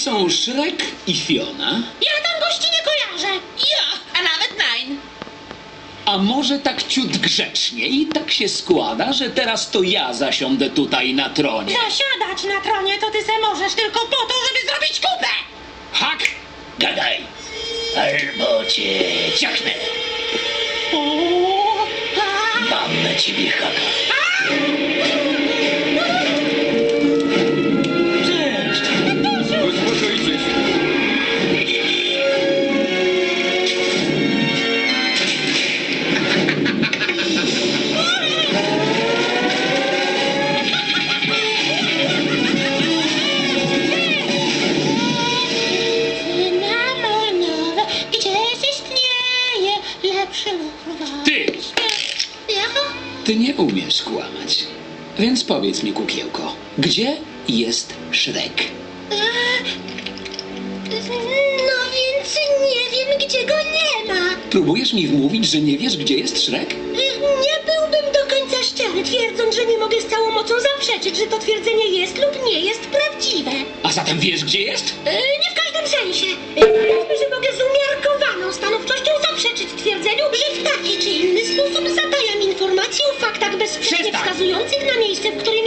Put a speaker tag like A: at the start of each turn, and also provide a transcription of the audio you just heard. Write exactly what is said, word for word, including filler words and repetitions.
A: są Shrek i Fiona?
B: Ja tam gości nie kojarzę.
C: Ja, a nawet Nine.
A: A może tak ciut grzecznie i tak się składa, że teraz to ja zasiądę tutaj na tronie.
B: Zasiadać na tronie to ty se możesz tylko po to, żeby zrobić kupę.
A: Hak, gadaj, albo cię ciachnę.
B: O, a,
A: Mam na ciebie haka. Cześć!
D: Uspokójcie się.
B: cynamonowe, gdzieś istnieje lepszy lub
A: Ty!
B: Jaka?
A: Ty nie umiesz kłamać. Więc powiedz mi, kukiełko, gdzie jest Shrek?
B: No więc nie wiem, gdzie go nie ma.
A: Próbujesz mi wmówić, że nie wiesz, gdzie jest Shrek?
B: Nie byłbym do końca szczery, twierdząc, że nie mogę z całą mocą zaprzeczyć, że to twierdzenie jest lub nie jest prawdziwe.
A: A zatem wiesz, gdzie jest?
B: E, nie w każdym sensie. E, Powiedzmy, że mogę z umiarkowaną stanowczością zaprzeczyć twierdzeniu, że w taki czy inny sposób zatajam informacje o faktach bezsprzecznie
A: Przestań!
B: wskazujących na miejsce, w którym